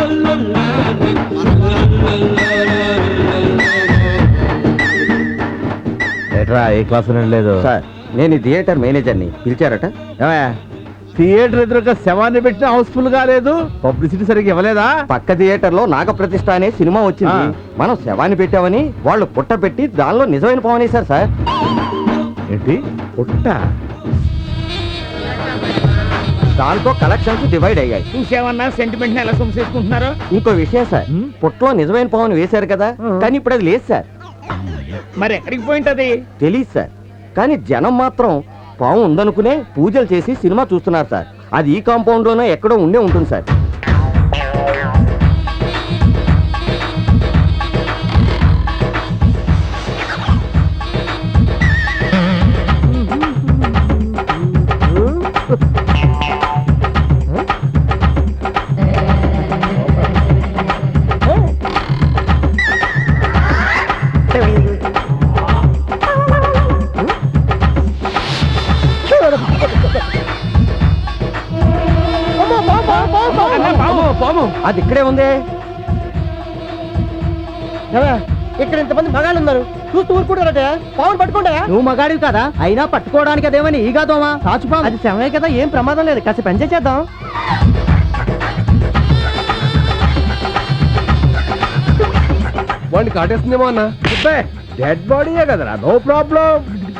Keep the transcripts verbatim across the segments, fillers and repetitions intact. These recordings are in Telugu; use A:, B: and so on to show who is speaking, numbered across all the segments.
A: ఏట్రా ఏ క్లాస్ లేదు
B: సార్ నేను ఈ థియేటర్ మేనేజర్ని, పిలిచారట.
A: థియేటర్ ఎదురుగా శవాన్ని పెట్టిన హౌస్ఫుల్ గా లేదు, పబ్లిసిటీ సరిగ్గా ఇవ్వలేదా?
B: పక్క థియేటర్ లో నాగప్రతిష్ఠ అనే సినిమా వచ్చింది, మనం శవాన్ని పెట్టామని వాళ్ళు పుట్ట పెట్టి దానిలో నిజమైన పవనేశారు సార్.
A: ఏంటి పుట్ట?
B: దాంతో కలెక్షన్స్ డివైడ్ అయ్యాయి.
C: చూసేవన్నా సెంటిమెంట్ ఎలా సొమ్సేసుకుంటున్నారు.
B: ఇంకో విషయం సార్, పుట్టలో నిజమైన పవన్ వేశారు కదా, కానీ ఇప్పుడు అది లేదు సార్.
C: మరి ఎక్కడికి పోయింటది
B: తెలీదు సార్, కానీ జనం మాత్రం పాము ఉందనుకునే పూజలు చేసి సినిమా చూస్తున్నారు సార్. అది ఈ కాంపౌండ్ లోనే ఎక్కడో ఉండే ఉంటుంది సార్. అది ఇక్కడే ఉంది.
D: ఇక్కడ ఇంతమంది మగాళ్ళు ఉన్నారు, చూస్తూ ఊరుకుంటారట. పావును పట్టుకుంటా. నువ్వు మగాడివి కదా, అయినా పట్టుకోవడానికి అదేమని ఈగా దోమా సాచుపాము. అది సమయం కదా, ఏం ప్రమాదం లేదు, కాస్త పని చేద్దాం.
A: వాడిని కాటేస్తుందేమో అన్న. డెడ్ బాడీయే కదరా, నో ప్రాబ్లం.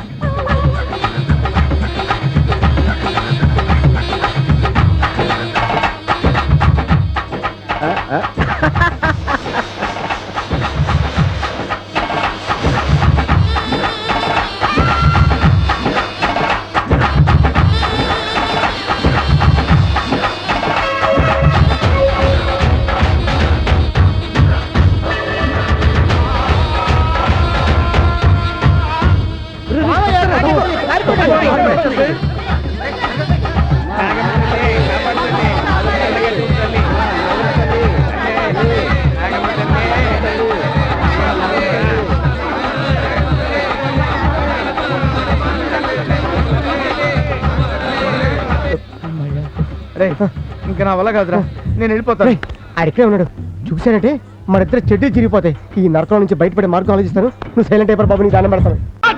A: ఇంకా నా వల్ల కాదురా, నేను వెళ్ళిపోతాను.
D: అడిగే ఉన్నాడు చూసానంటే మరిద్దరు చెడ్డీ చిరిగిపోతాయి. ఈ నరకం నుంచి బయటపడే మార్గం ఆలోచిస్తాను. నువ్వు సైలెంట్ అయిపోయి బాబు, నీ దానం పెడతాను.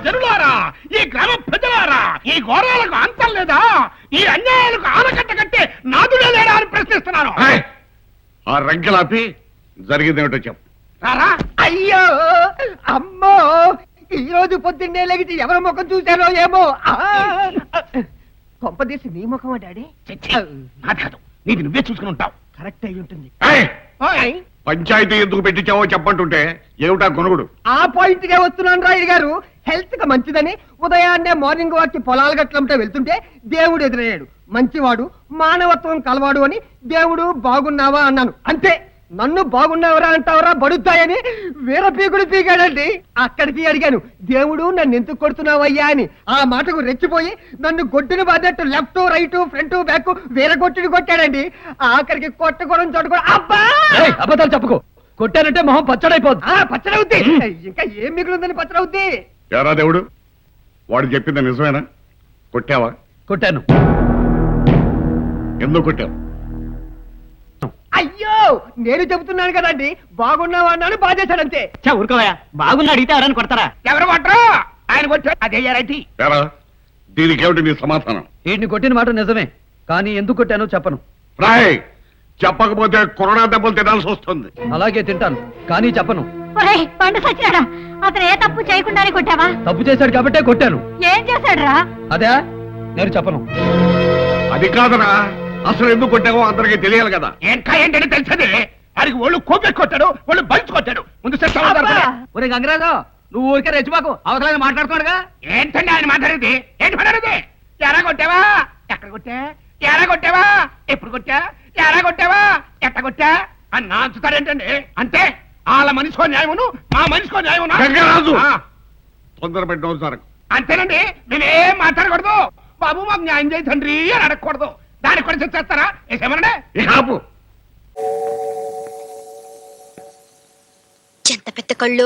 C: ఈ గ్రామ ప్రజలారా, ఈ ఘోరాలకు అంతం లేదా? ఈ అన్యాయాలకు ఆనకట్ట కట్టే నాదుడే లేడా అని ప్రశ్నిస్తున్నాను.
E: ఆ రంకెలాపి జరిగిందేమిటో చెప్పు.
D: అయ్యో అమ్మో, ఈ రోజు పొద్దున్నే లెగిసి ఎవరి ముఖం చూశారో ఏమో. కొంపదీసి నీ ముఖమా డాడీ?
C: నాది కాదు, నీది నువ్వే చూసుకుని ఉంటావు.
D: కరెక్ట్ అయి ఉంటుంది.
E: పంచాయతీ ఎందుకు పెట్టించావో చెప్పంటుంటే ఏమిటా కొనుగుడు?
D: ఆ పాయింట్ గా వస్తున్నాను రాయుడు గారు. హెల్త్ గా మంచిదని ఉదయాన్నే మార్నింగ్ వాక్ కి పొలాలు గట్లంటే వెళ్తుంటే దేవుడు ఎదురయ్యాడు. మంచివాడు, మానవత్వం కలవాడు అని దేవుడు బాగున్నావా అన్నాను, అంతే. నన్ను బాగున్నావరా అంటావరా బడుతాయని వీర పీకుడు పీకాడండి. అక్కడికి అడిగాను, దేవుడు నన్ను ఎందుకు కొడుతున్నావయ్యా అని. ఆ మాటకు రెచ్చిపోయి నన్ను గొడ్డును బాధట్టు లెఫ్ట్ రైట్ ఫ్రంట్ బ్యాక్ వీర కొట్టుని కొట్టాడండి. ఆఖరికి కొట్టకూడదు చోటు అబ్బా
C: అబద్ధాలు చెప్పుకో. కొట్టానంటే మొహం పచ్చడైపోద్ది.
D: పచ్చడవుద్ది, ఇంకా ఏం మిగులుందని పచ్చడవుద్ది.
E: ఎరా దేవుడు, వాడు చెప్పింది నిజమేనా? కొట్టావా?
C: కొట్టాను.
E: ఎందుకు కొట్టావు?
D: అయ్యో నేను చెబుతున్నాను కదండి, బాగున్నావా అన్నాను, బాధేశాడంతే.
C: ఊరుకోవా, బాగున్నా అడిగితే ఎవరైనా కొడతారా? ఎవరు కొట్టరు, ఆయన కొట్టారు. అదే
E: ఎరా దీనికేమిటి నీ సమాధానం?
C: వీటిని కొట్టిన మాట నిజమే, కానీ ఎందుకు కొట్టానో చెప్పను.
E: రాయ్, చెప్పకపోతే కొరడా దెబ్బలు తినాల్సి వస్తుంది.
C: అలాగే తింటాను, కానీ చెప్పను.
F: పండు సచ్చినాడా, అతను ఏ తప్పు చేయకుండానే కొట్టావా?
C: తప్పు చేశాడు కాబట్టే కొట్టాను.
F: ఏం చేశాడు రా?
C: అదే నేను చెప్పను.
E: అది కాదరా, అసలు ఎందుకు కొట్టావో అందరికీ తెలియాలి కదా.
C: ఇంకా ఏంటంటే తెలిసేది, వాడికి ఒళ్ళు కోపెట్టి కొట్టాడు, ఒళ్ళు బలిచి కొట్టాడు. ముందు ఒరే గంగరాజు, నువ్వు ఊరికే రెచ్చిపోకు, అవసరం మాట్లాడుకోడుగా. ఏంటండి ఆయన మాట్లాడేది? ఏంటి మాట్లాడేది? ఎరా కొట్టావా? ఎక్కడ కొట్టా? ఎరా కొట్టావా? ఎప్పుడు కొట్టా? ఎరా కొట్టావా? ఎట్ట కొట్టా అని నాంచుతారేంటండి? అంటే వాళ్ళ మనిషికో న్యాయమును, మా మనిషికో న్యాయమును.
E: గంగరాజు, తొందర పెట్టిన సార్.
C: అంతేనండి, నేనేం మాట్లాడకూడదు. బాబు మాకు న్యాయం చేయి తండ్రి అని అడగకూడదు. దానికి కూడా చేస్తారా? ఏమన్నా
F: ఎంత పెద్ద కళ్ళు.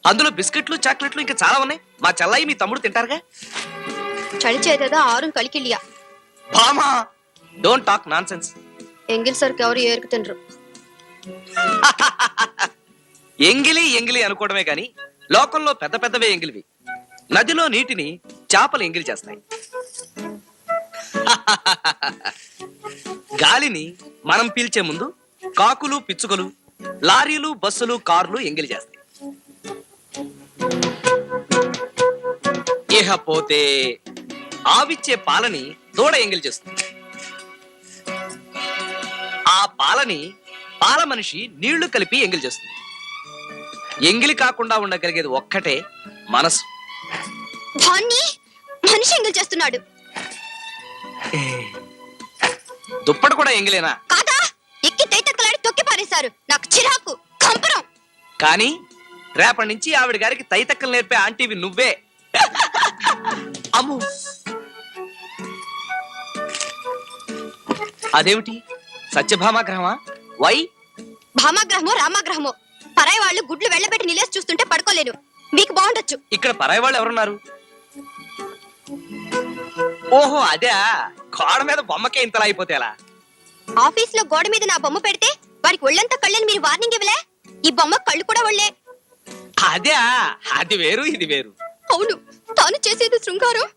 G: అందులో బిస్కెట్లు చాక్లెట్లు ఇంకా చాలా ఉన్నాయి. మా చెల్లాయి మీ తమ్ముడు తింటారుగా.
H: చಳಿ చేతదా ఆరు కలికిలియా
G: బామా డోంట్ టాక్ నాన్ సెన్స్.
H: ఎంగిల్ సరికి ఎవరు ఏరుకు తినరు.
G: ఎంగిలి ఎంగిలి అనుకోవడమే గాని లోకంలో పెద్ద పెద్దవే ఎంగిలివి. నదిలో నీటిని చేపలు ఎంగిలి చేస్తాయి. గాలిని మనం పీల్చే ముందు కాకులు పిచ్చుకలు లారీలు బస్సులు కార్లు ఎంగిలి చేస్తాయి. ఇకపోతే ఆవిచ్చే పాలని దూడ ఎంగిలి చేస్తుంది. ఆ పాలని పాల మనిషి నీళ్లు కలిపి ఎంగిలి చేస్తుంది. ఎంగిలి కాకుండా ఉండగలిగేది ఒక్కటే మనసు.
H: దాన్ని మనిషి ఎంగిల్ చేస్తున్నాడు.
G: దుప్పటి కూడా ఎంగిలేనా?
H: కాదా, ఎక్కి తైతక్కలాడి తొక్కి పారేశారు. నాకు చిరాకు, కంపరం.
G: కానీ రేపటి నుంచి ఆవిడ గారికి తైతక్కలు నేర్పే ఆంటీవి నువ్వే. అమ్ము, అదేమిటి సత్యభామాగ్రహమా? వై?
H: భామాగ్రహమో రామాగ్రహమో పరాయి వాళ్ళు గుడ్లు వెళ్ళబెట్టి నిలేసి చూస్తుంటే పడుకోలేను. మీకు బాగుండొచ్చు.
G: ఇక్కడ పరాయి వాళ్ళు ఎవరున్నారు? ఓహో అదే, గోడ మీద బొమ్మకే ఇంతలా అయిపోతే ఎలా?
H: ఆఫీస్ లో గోడ మీద నా బొమ్మ పెడితే వారికి ఒళ్ళంతా కళ్ళని మీరు వార్నింగ్ ఇవ్వలే. ఈ బొమ్మ కళ్ళు కూడా ఒళ్ళే.
G: అదే, అది వేరు ఇది వేరు.
H: అవును, తాను చేసేది శృంగారం.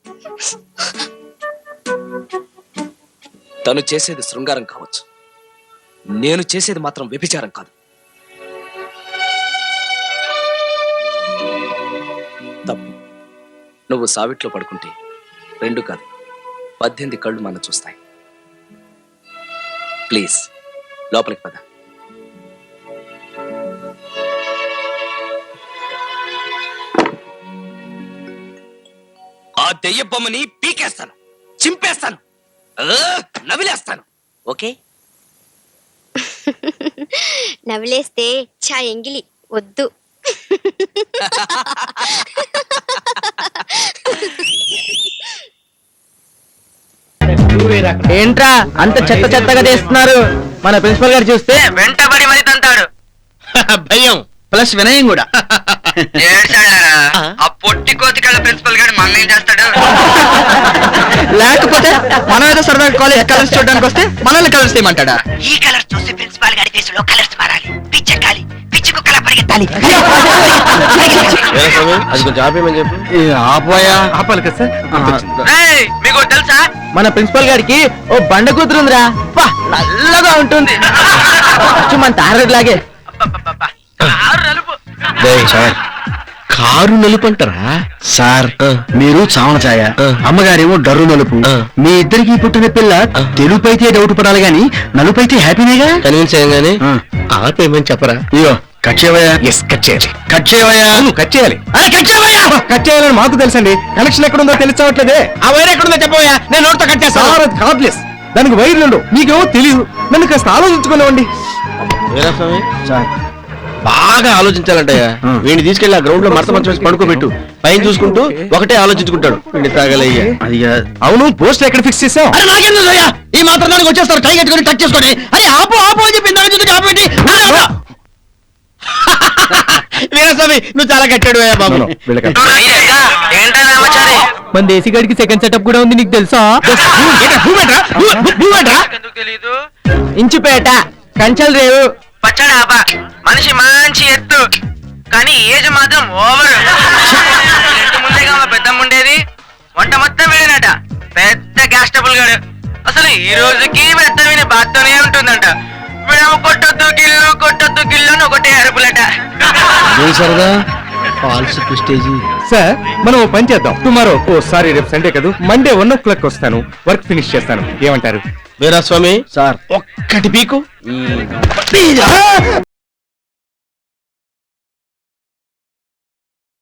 G: తను చేసేది శృంగారం కావచ్చు, నేను చేసేది మాత్రం వ్యభిచారం కాదు. తప్పు. నువ్వు సావిట్లో పడుకుంటే రెండు కాదు పద్దెనిమిది కళ్ళు మన చూస్తాయి. ప్లీజ్ లోపలికి పద. ఆ దెయ్య బొమ్మని పీకేస్తాను, చింపేస్తాను, నవిలేస్తాను. ఓకే?
H: నవ్వులేస్తే చా ఎంగిలి వద్దు.
B: ఏంట్రా అంత చెత్త చెత్తగా చేస్తున్నారు? మన ప్రిన్సిపల్ గారు చూస్తే
C: వెంటబడి మరి తంతాడు.
B: భయం ప్లస్ వినయం కూడా.
C: ఆ పొట్టి కోతికళ్ళ ప్రిన్సిపల్ గారు మన ఏం చేస్తాడు?
B: లేకపోతే మనం ఏదో సరదా కాలేజ్ కలర్స్ చూడడానికి వస్తే మనల్ని కలర్స్ చేయమంటాడా?
C: ఈ కలర్స్ చూసి ప్రిన్సిపాల్ గారి ఫేస్ లో కలర్స్ మారాలి. పిచ్చెక్కాలి, పిచ్చి కుక్కలా పరిగెత్తాలి.
B: అది కొంచెం ఆపేయమని చెప్పు. ఆపోయా
A: ఆపాలి కదా సార్.
C: ఏయ్, మీకు తెలుసా
B: మన ప్రిన్సిపల్ గారికి ఓ బండ కూతురుందిరా. పా, నల్లగా ఉంటుంది. అచ్చు మన తారగడ్ లాగే.
C: కారు నలుపు.
B: సార్ కారు నలుపు అంటారా సార్? మీరు చావన ఛాయ, అమ్మగారేమో డర్రు నలుపు. మీ ఇద్దరికి పుట్టిన పిల్ల తెలుపు అయితే డౌట్ పడాలి గాని నలుపు అయితే హ్యాపీనేగా. కన్విన్స్ అయ్యాగానే ఆపేమని చెప్పరా? అయ్యో కట్ చేయవయ్యా. ఎస్ కట్ చేయాలి. కట్ చేయవయ్యా. కట్ చేయాలి. అరే కట్ చేయవయ్యా. కట్ చేయాలని మాకు తెలుసండి, కనెక్షన్ ఎక్కడుందో తెలుసవట్లేదే. ఆ వైర్ ఎక్కడుందో చెప్పవయ్యా, నేను నోట్తో కట్ చేస్తాను. కార్డ్లెస్, దానికి వైర్లు మీకేమో తెలియదు. నన్ను కాస్త ఆలోచించుకునేవ్వండి. సార్ బాగా ఆలోచించాలంటయ్యా. వీడిని తీసుకెళ్లి ఆ గ్రౌండ్ లో మరత మంచం వేసి పడుకోబెట్టు. పైన చూసుకుంటూ ఒకటే ఆలోచించుకుంటాడు. వీడిని తాగలయ్యా. అది అవును, పోస్ట్ ఎక్కడ ఫిక్స్ చేసావు? అరే నాకెందుకు అయ్యా, ఈ మాత్రం దానికి వచ్చేస్తారు టై కట్టుకొని టచ్ చేసుకొని. అరే ఆపు ఆపు అని చెప్పి ఇందాక చూసి ఆపేంటి? వీరస్వామి నువ్వు చాలా కట్టాడు అయ్యా బాబు. మన దేశీ గడికి సెకండ్ సెటప్ కూడా ఉంది, నీకు తెలుసా? ఇంచుపేట కంచల్ రేవు
C: పచ్చడాపా మనిషి మంచి ఎత్తు, కానీ ఏజ్ మాత్రం ఓవర్. ఇంటి ముందేగా మా పెద్దమ్మ ఉండేది. వంట మొత్తం వీడినట, పెద్ద గ్యాస్ ట్రబుల్ గాడు. అసలు ఈ రోజుకి పెద్ద విని బాత్తోనే ఉంటుందంట. వీడేమో కొట్టొద్దు గిల్లు కొట్టొద్దు గిల్లు అని ఒకటే అరుపులట.
B: సరదా ఫాల్స్ ప్రెస్టేజీ.
A: సార్ మనం ఓ పని చేద్దాం. టుమారో ఓ సారీ రేపు సండే కదా, మండే వన్ ఓ క్లాక్ వస్తాను, వర్క్ ఫినిష్ చేస్తాను. ఏమంటారు?
B: వీరస్వామి సార్ ఒక్కటి పీకు.